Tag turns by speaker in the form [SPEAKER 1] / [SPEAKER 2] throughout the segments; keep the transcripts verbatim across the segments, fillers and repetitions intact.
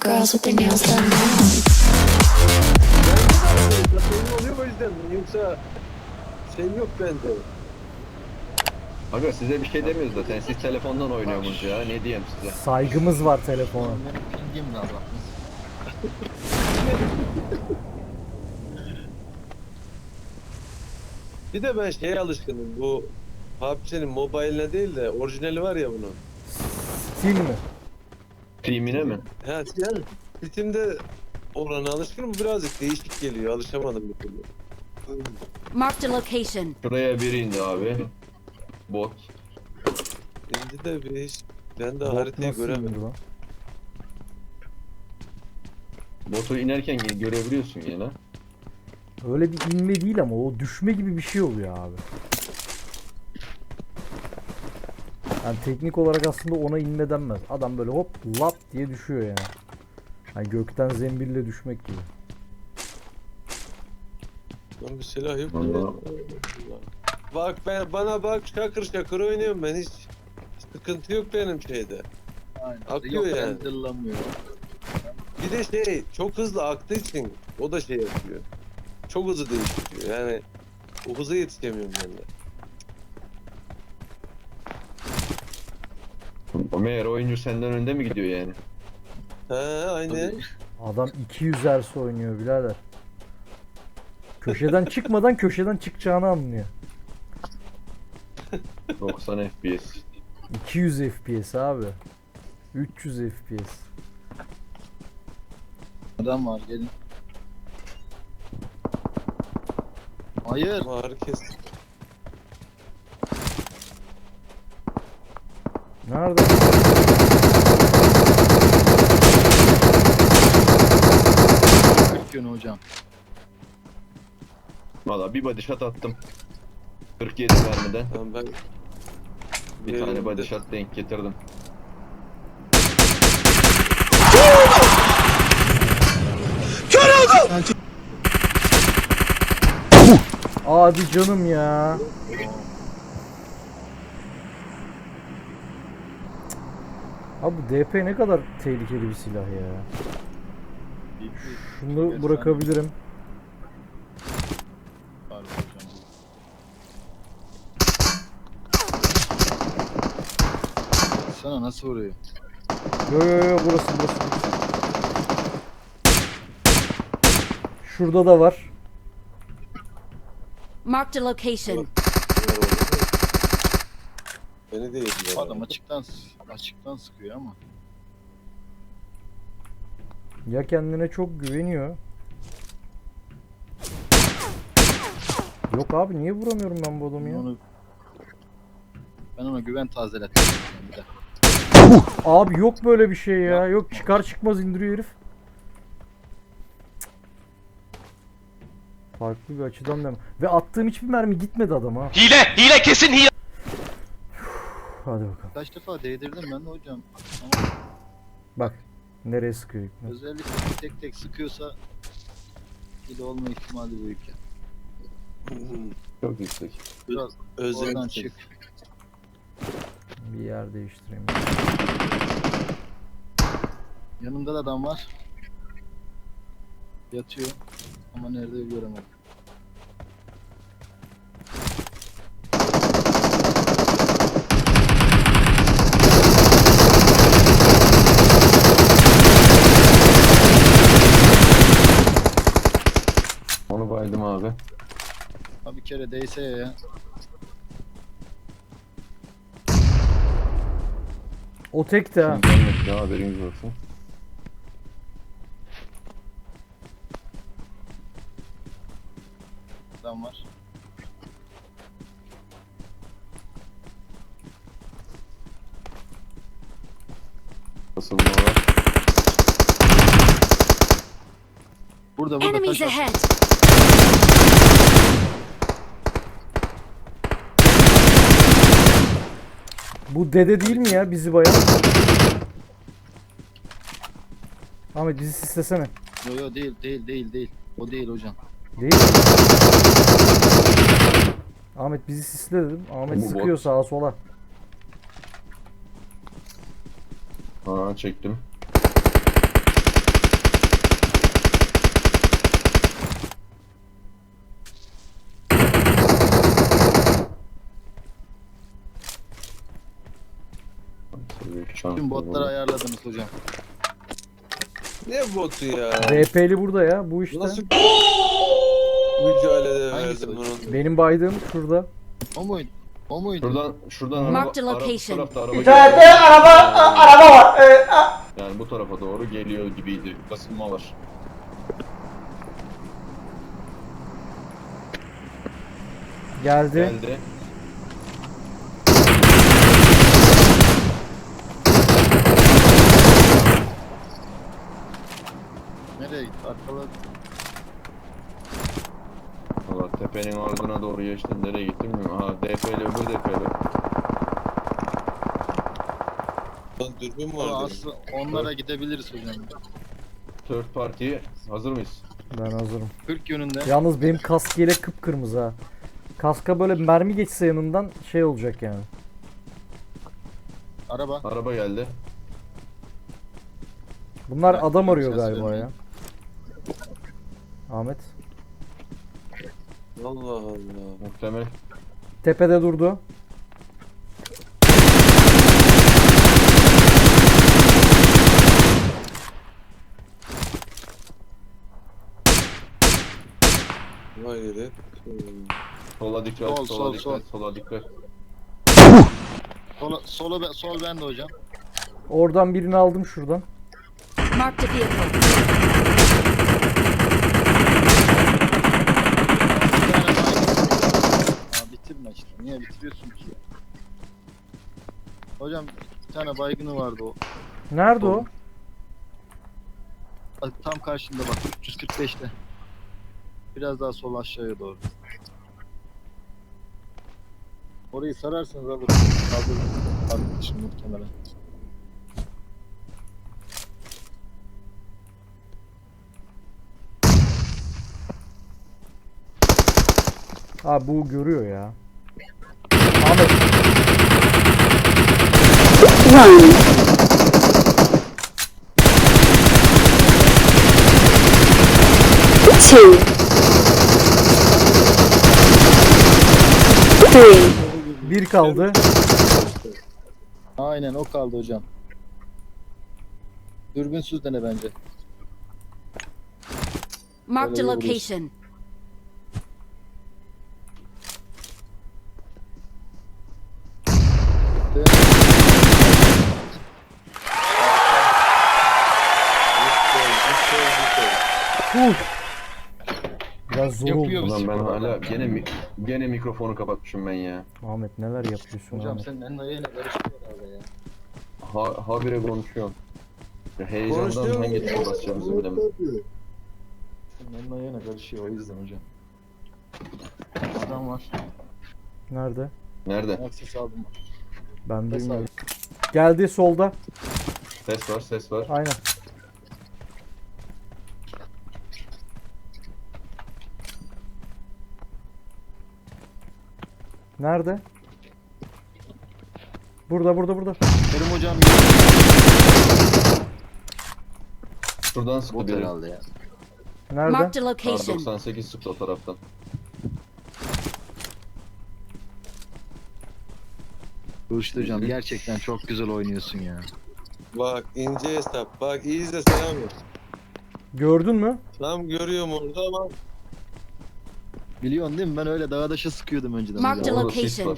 [SPEAKER 1] girls with their nails done now.
[SPEAKER 2] Senin oluyor o yüzden yoksa şeyim yok bende.
[SPEAKER 3] Aga size bir şey demiyoruz zaten. Siz telefondan oynuyorsunuz ya. Ne diyeyim size?
[SPEAKER 4] Saygımız var telefona.
[SPEAKER 5] Benim pingim de Allah.
[SPEAKER 2] Bir de ben şeye alışkınım, bu P U B G'nin mobiline değil de orijinali var ya bunun.
[SPEAKER 4] Steam mi?
[SPEAKER 3] Team'ine mi?
[SPEAKER 2] Ha yani Steam'de olana alışkınım, birazcık değişik geliyor, alışamadım bir türlü.
[SPEAKER 6] Marked a location.
[SPEAKER 3] Şuraya biri indi abi. Bot.
[SPEAKER 2] Şimdi de bir iş, ben de
[SPEAKER 4] Bot
[SPEAKER 2] haritayı
[SPEAKER 4] nasıl
[SPEAKER 2] göremedim.
[SPEAKER 4] indir lan?
[SPEAKER 3] Botu inerken görebiliyorsun yine.
[SPEAKER 4] Öyle bir inme değil ama o düşme gibi bir şey oluyor abi. Yani teknik olarak aslında ona inme denmez. Adam böyle hop lap diye düşüyor yani. Yani gökten zembille düşmek gibi.
[SPEAKER 2] Lan bir silah yok.
[SPEAKER 3] Vallahi.
[SPEAKER 2] Bak ben, bana bak, şakır şakır oynuyorum ben, hiç sıkıntı yok benim şeyde.
[SPEAKER 5] Aynen.
[SPEAKER 2] Akıyor
[SPEAKER 5] Yok,
[SPEAKER 2] yani.
[SPEAKER 5] renderlanmıyor.
[SPEAKER 2] Bir de şey çok hızlı aktığı için o da şey yapıyor. Çok hızlı değiştiriyor yani, o hıza yetişemiyorum ben de.
[SPEAKER 3] Meğer oyuncu senden önde mi gidiyor yani?
[SPEAKER 2] He aynen.
[SPEAKER 4] Adam iki yüz Hz oynuyor birader. Köşeden çıkmadan köşeden çıkacağını anlıyor.
[SPEAKER 3] doksan F P S.
[SPEAKER 4] iki yüz F P S abi. üç yüz F P S.
[SPEAKER 5] Adam var gelin. Hayır.
[SPEAKER 2] Ama herkes
[SPEAKER 4] Nerede?
[SPEAKER 5] kırk yönü hocam.
[SPEAKER 3] Valla bir body shot attım. kırk yedi mermiden.
[SPEAKER 2] tamam ben
[SPEAKER 3] Bir tane body shot denk getirdim.
[SPEAKER 4] Hadi canım ya. Abi bu D P ne kadar tehlikeli bir silah ya. Şunu bırakabilirim.
[SPEAKER 5] Harbi hocam. Sana nasıl vuruyor?
[SPEAKER 4] Yo yo yo burası burası. Şurada da var.
[SPEAKER 6] Marked a location.
[SPEAKER 2] beni de yediler.
[SPEAKER 5] Adam açıktan açıktan sıkıyor ama.
[SPEAKER 4] Ya kendine çok güveniyor. Yok abi niye vuramıyorum ben bu adamı
[SPEAKER 5] Ben
[SPEAKER 4] ya?
[SPEAKER 5] onu ben ona güven tazelettim bir de.
[SPEAKER 4] Abi yok böyle bir şey ya. Yok çıkar çıkmaz indiriyor herif. Farklı bir açıdan da. Ve attığım hiçbir mermi gitmedi adama.
[SPEAKER 7] Hile, hile kesin hile.
[SPEAKER 4] Hadi bakalım.
[SPEAKER 5] Kaç defa değdirdim ben de hocam. Ama
[SPEAKER 4] Bak nereye sıkıyor ipne.
[SPEAKER 5] özellikle tek tek sıkıyorsa hile olma ihtimali büyük ya.
[SPEAKER 3] Çok yüksek.
[SPEAKER 5] Biraz oradan
[SPEAKER 2] Özel
[SPEAKER 5] çık.
[SPEAKER 4] Bir yer değiştireyim.
[SPEAKER 5] Yanımda da adam var. Yatıyor. Ama nerede göremedim.
[SPEAKER 3] Onu baydım abi.
[SPEAKER 5] Ha bir kere değse ya.
[SPEAKER 4] O tek de ha.
[SPEAKER 3] Şimdi gelmek ne haberiniz olsun.
[SPEAKER 5] Adam var.
[SPEAKER 3] Nasıl bunlar var?
[SPEAKER 5] Burada burada
[SPEAKER 6] Enemies
[SPEAKER 5] taş var.
[SPEAKER 6] ahead.
[SPEAKER 4] Bu dede değil mi ya bizi bayan? Ahmet bizi sislesene.
[SPEAKER 5] Yo yo değil değil değil değil. O değil hocam.
[SPEAKER 4] Değil mi? Ahmet bizi sisle dedim. Ahmet
[SPEAKER 3] Bu bot.
[SPEAKER 4] sıkıyor sağa sola.
[SPEAKER 3] Ha çektim. Şans
[SPEAKER 5] Tüm botları
[SPEAKER 3] oldu.
[SPEAKER 5] ayarladınız hocam.
[SPEAKER 2] Ne botu ya?
[SPEAKER 4] D P'li burada ya bu işte.
[SPEAKER 2] Nasıl mücadele
[SPEAKER 5] Hangisi
[SPEAKER 2] verdim
[SPEAKER 5] hocam?
[SPEAKER 2] bunu?
[SPEAKER 4] Benim baydığım şurada.
[SPEAKER 5] O muydu? O muydu?
[SPEAKER 3] Şuradan şuradan
[SPEAKER 6] Mark the
[SPEAKER 3] araba, araba, bu
[SPEAKER 6] location.
[SPEAKER 3] tarafta araba
[SPEAKER 1] İçeride
[SPEAKER 3] geliyor.
[SPEAKER 1] araba araba var. Ee, a-
[SPEAKER 3] Yani bu tarafa doğru geliyor gibiydi. Basılma var.
[SPEAKER 4] Geldi.
[SPEAKER 3] Geldi.
[SPEAKER 5] Nereye gitti? Arkaladı.
[SPEAKER 3] Valla tepenin ardına doğru geçtim. Nereye gittim bilmiyorum. Aha D P'li öbür D P'li.
[SPEAKER 2] Lan dürbün
[SPEAKER 5] Ama
[SPEAKER 2] var.
[SPEAKER 5] aslında onlara gidebiliriz hocam.
[SPEAKER 3] Third party hazır mıyız?
[SPEAKER 4] Ben hazırım.
[SPEAKER 5] kırk yönünde.
[SPEAKER 4] Yalnız benim kask yelek kıpkırmızı ha. Kaska böyle mermi geçse yanından şey olacak yani.
[SPEAKER 5] Araba.
[SPEAKER 3] Araba geldi.
[SPEAKER 4] Bunlar
[SPEAKER 5] Bak,
[SPEAKER 4] adam arıyor
[SPEAKER 5] ses
[SPEAKER 4] galiba
[SPEAKER 5] vermeyin.
[SPEAKER 4] ya. Ahmet.
[SPEAKER 2] Allah Allah.
[SPEAKER 3] Muhtemel.
[SPEAKER 4] Tepede durdu.
[SPEAKER 2] Vay yeri.
[SPEAKER 3] Sola dikkat,
[SPEAKER 5] Sol,
[SPEAKER 3] sola
[SPEAKER 5] sol,
[SPEAKER 3] dikkat,
[SPEAKER 5] sol.
[SPEAKER 3] sola dikkat.
[SPEAKER 5] Sola, solo, be- sol bende hocam.
[SPEAKER 4] Oradan birini aldım şuradan.
[SPEAKER 6] Marked a vehicle.
[SPEAKER 5] Bir tane baygın. Aa, bitirme işte. Niye bitiriyorsun ki? Hocam bir tane baygını vardı o.
[SPEAKER 4] Nerede o?
[SPEAKER 5] Bak, tam karşında bak üç yüz kırk beşte. Biraz daha sol aşağıya doğru. Orayı sararsınız alırım. Kaldırırım. Kaldırırım şimdi muhtemelen.
[SPEAKER 4] Ha bu görüyor ya. Ahmet.
[SPEAKER 7] Two, three,
[SPEAKER 4] Bir kaldı.
[SPEAKER 5] Aynen o kaldı hocam. Dürbünsüz dene bence.
[SPEAKER 6] Marked a
[SPEAKER 5] Öyle vurursun.
[SPEAKER 6] location.
[SPEAKER 4] Huh. Biraz zor
[SPEAKER 5] Yapıyor
[SPEAKER 4] oldu.
[SPEAKER 5] musun?
[SPEAKER 3] Ulan ben hala gene mi, gene mikrofonu kapatmışım ben ya.
[SPEAKER 4] Ahmet neler yapıyorsun
[SPEAKER 5] Hocam
[SPEAKER 4] Ahmet?
[SPEAKER 5] senin en ayağıyla karıştırıyor herhalde ya.
[SPEAKER 3] Ha, habire konuşuyorum. Ya heyecandan
[SPEAKER 2] Konuşuyor
[SPEAKER 3] hangi
[SPEAKER 2] mu?
[SPEAKER 3] tuşa basacağımızı bilemedim.
[SPEAKER 5] Senin en ayağına karışıyor o yüzden hocam. Adam var.
[SPEAKER 4] Nerede?
[SPEAKER 3] Nerede?
[SPEAKER 5] Akses aldım.
[SPEAKER 4] Ben
[SPEAKER 5] Ses
[SPEAKER 4] duymuyorum.
[SPEAKER 5] aldım.
[SPEAKER 4] Geldi solda.
[SPEAKER 3] Ses var, ses var.
[SPEAKER 4] Aynen. Nerede? Burada burada burada.
[SPEAKER 5] Kerim hocam
[SPEAKER 3] Şuradan sıktı
[SPEAKER 5] bot
[SPEAKER 3] biri.
[SPEAKER 5] herhalde ya.
[SPEAKER 4] Nerede?
[SPEAKER 6] Marked a
[SPEAKER 3] R
[SPEAKER 6] location.
[SPEAKER 3] doksan sekiz sıktı o taraftan.
[SPEAKER 5] Kılıçlı hocam gerçekten çok güzel oynuyorsun ya.
[SPEAKER 2] Bak ince hesap. Bak iyi izle Selami.
[SPEAKER 4] Gördün mü?
[SPEAKER 2] Tam görüyorum orada ama
[SPEAKER 5] Biliyorsun değil mi? Ben öyle dağa daşa sıkıyordum önceden
[SPEAKER 6] Mark
[SPEAKER 5] hocam.
[SPEAKER 6] the
[SPEAKER 3] Orada sis
[SPEAKER 6] location.
[SPEAKER 3] var.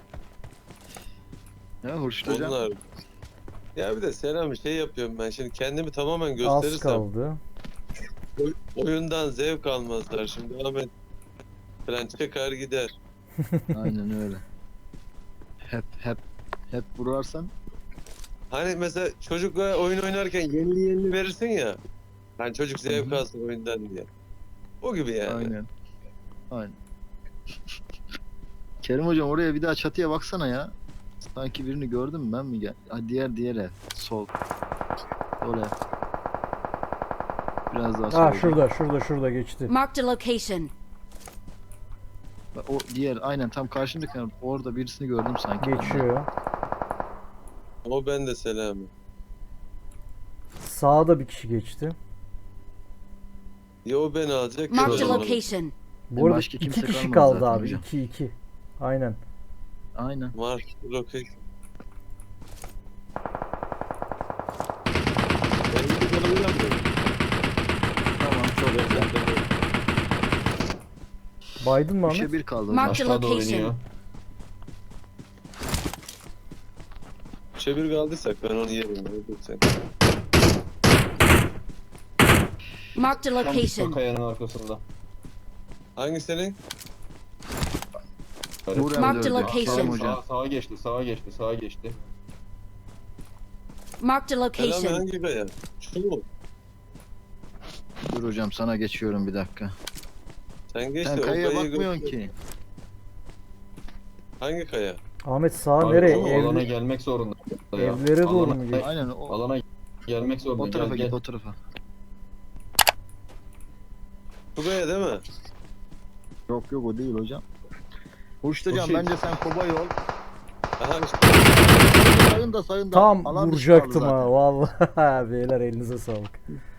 [SPEAKER 5] Ya Hurşit hocam.
[SPEAKER 2] onlar. Ya bir de Selami şey yapıyorum ben şimdi kendimi tamamen
[SPEAKER 4] Az
[SPEAKER 2] gösterirsem
[SPEAKER 4] kaldı.
[SPEAKER 2] oy- oyundan zevk almazlar şimdi Ahmet falan çıkar gider.
[SPEAKER 5] Aynen öyle. Hep hep hep vurarsan
[SPEAKER 2] Hani mesela çocukla oyun oynarken yenili yenili verirsin ya. Hani çocuk zevk
[SPEAKER 5] Hı hı.
[SPEAKER 2] alsın oyundan diye. O gibi yani.
[SPEAKER 5] aynen. Aynen. Kerim hocam oraya bir daha çatıya baksana ya. Sanki birini gördün mü ben mi gel? Ha, diğer diğer ev. Sol. Sol ev. Biraz daha
[SPEAKER 4] Ha
[SPEAKER 5] sol.
[SPEAKER 4] şurada şurada şurada geçti.
[SPEAKER 6] Marked a location.
[SPEAKER 5] Bak, o diğer aynen tam karşındaki ev. Orada birisini gördüm sanki. ben de.
[SPEAKER 4] Geçiyor.
[SPEAKER 2] O ben de Selami.
[SPEAKER 4] Sağda bir kişi geçti.
[SPEAKER 2] Ya o beni alacak. ya
[SPEAKER 6] Marked
[SPEAKER 2] ben
[SPEAKER 6] a
[SPEAKER 2] onu.
[SPEAKER 6] location.
[SPEAKER 4] Bu arada
[SPEAKER 5] Başka
[SPEAKER 4] iki
[SPEAKER 5] kimse
[SPEAKER 4] kişi
[SPEAKER 5] kalmadı
[SPEAKER 4] kaldı
[SPEAKER 5] zaten
[SPEAKER 4] abi.
[SPEAKER 5] hocam.
[SPEAKER 4] iki iki. Aynen.
[SPEAKER 5] Aynen.
[SPEAKER 2] Mark location.
[SPEAKER 4] Baydın mı Ahmet?
[SPEAKER 5] Üçe bir kaldı hocam.
[SPEAKER 6] Mark-
[SPEAKER 3] Aşağıda
[SPEAKER 6] location.
[SPEAKER 3] oynuyor.
[SPEAKER 2] Üçe bir kaldıysak ben onu yerim. Ne sen?
[SPEAKER 6] Marked a
[SPEAKER 3] Tam o
[SPEAKER 6] location.
[SPEAKER 3] kayanın arkasında.
[SPEAKER 2] Hangi senin?
[SPEAKER 5] Vur
[SPEAKER 6] Mark the
[SPEAKER 5] M dördü.
[SPEAKER 6] location.
[SPEAKER 5] Kerem
[SPEAKER 3] Sağa,
[SPEAKER 5] hocam.
[SPEAKER 3] sağa geçti, sağa geçti, sağa geçti.
[SPEAKER 6] Marked a
[SPEAKER 2] Selami
[SPEAKER 6] location.
[SPEAKER 2] hangi kaya? Şu mu?
[SPEAKER 5] Dur hocam sana geçiyorum bir dakika.
[SPEAKER 2] Sen geç
[SPEAKER 5] Sen
[SPEAKER 2] de o
[SPEAKER 5] kayaya
[SPEAKER 2] kayayı
[SPEAKER 5] bakmıyorsun
[SPEAKER 2] gör-
[SPEAKER 5] ki.
[SPEAKER 2] Hangi kaya?
[SPEAKER 4] Ahmet sağa
[SPEAKER 3] Hayır,
[SPEAKER 4] nereye?
[SPEAKER 3] o
[SPEAKER 4] Ev-
[SPEAKER 3] alana gelmek zorunda. ya.
[SPEAKER 4] evlere doğru
[SPEAKER 3] Alana-
[SPEAKER 4] mu gidiyor?
[SPEAKER 5] Aynen o,
[SPEAKER 3] Alana gelmek zorunda.
[SPEAKER 5] o tarafa
[SPEAKER 3] gel,
[SPEAKER 5] git
[SPEAKER 3] gel.
[SPEAKER 5] o tarafa.
[SPEAKER 2] Bu kaya değil mi?
[SPEAKER 5] Yok yok o değil hocam. Uçtucan
[SPEAKER 2] Okey.
[SPEAKER 5] bence sen kobay ol.
[SPEAKER 2] Aha işte.
[SPEAKER 5] Sayın da sayın da.
[SPEAKER 4] Tam
[SPEAKER 5] Alan dışı
[SPEAKER 4] vuracaktım
[SPEAKER 5] kaldı
[SPEAKER 4] ha
[SPEAKER 5] zaten.
[SPEAKER 4] vallahi. Beyler elinize sağlık.